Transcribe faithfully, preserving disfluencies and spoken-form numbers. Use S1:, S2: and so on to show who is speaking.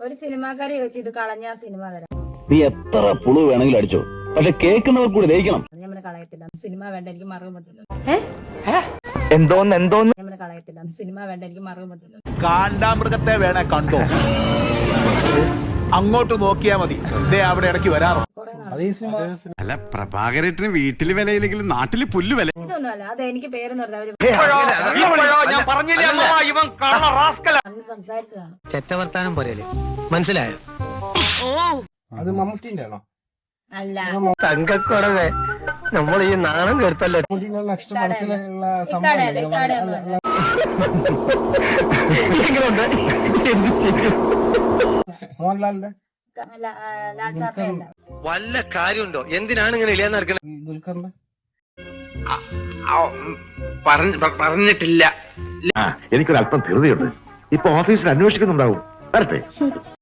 S1: ഒരു സിനിമാക്കാരെ ചോദിച്ചു ഇത് കളഞ്ഞ സിനിമ തരാം.
S2: നീ എത്ര പുളു വേണമെങ്കിലും അടിച്ചോ, പക്ഷെ കേൾക്കുന്നവർ കൂടി ദഹിക്കണം.
S1: ഞാൻ കളയത്തില്ല, സിനിമ വേണ്ട, എനിക്ക് മറവ് പറ്റുന്നു.
S2: എന്തോന്ന് എന്തോന്ന്
S1: ഞാൻ കളയത്തില്ല, സിനിമ വേണ്ട, എനിക്ക് മറവ് പറ്റുന്നു.
S3: കാണ്ടാമൃഗത്തെ വേണേ കണ്ടോ, അങ്ങോട്ട് നോക്കിയാ മതി, ഇതേ അവിടെ ഇടയ്ക്ക് വരാറോ.
S4: അല്ല പ്രഭാകരേട്ടന് വീട്ടില് വിലയില്ലെങ്കിലും നാട്ടില് പുല്ല് വില.
S1: ഇതൊന്നും അല്ല, അത് എനിക്ക് പേരെന്ന് പറഞ്ഞാൽ സംസാരിച്ചതാണ്.
S5: ചെറ്റവർത്താനം പറയല്ലേ, മനസ്സിലായോ?
S6: അത് മമ്മൂട്ടിന്റെ ആണോ?
S1: അല്ല,
S5: തങ്കക്കുടവേ, നമ്മൾ ഈ നാണം കേട്ടല്ലോ.
S6: നെക്സ്റ്റ് പടത്തിലുള്ള
S1: ഇക്കാടെയല്ല, ഇക്കാടെയൊന്നും അല്ല.
S6: മോഹൻലാലിന്റെ
S1: ലാ- ആ, ലാൽ സാറിന്റെ അല്ല.
S5: വല്ല കാര്യമുണ്ടോ? എന്തിനാണ് ഇങ്ങനെ ഇല്ലാന്ന് നടക്കണത്?
S6: ദുൽഖറിന്റെ
S7: പറഞ്ഞിട്ടില്ല.
S2: എനിക്കൊരല്പം ധൃതിയുണ്ട്. ഇപ്പൊ ഓഫീസിൽ അന്വേഷിക്കുന്നുണ്ടാവും. വരട്ടെ.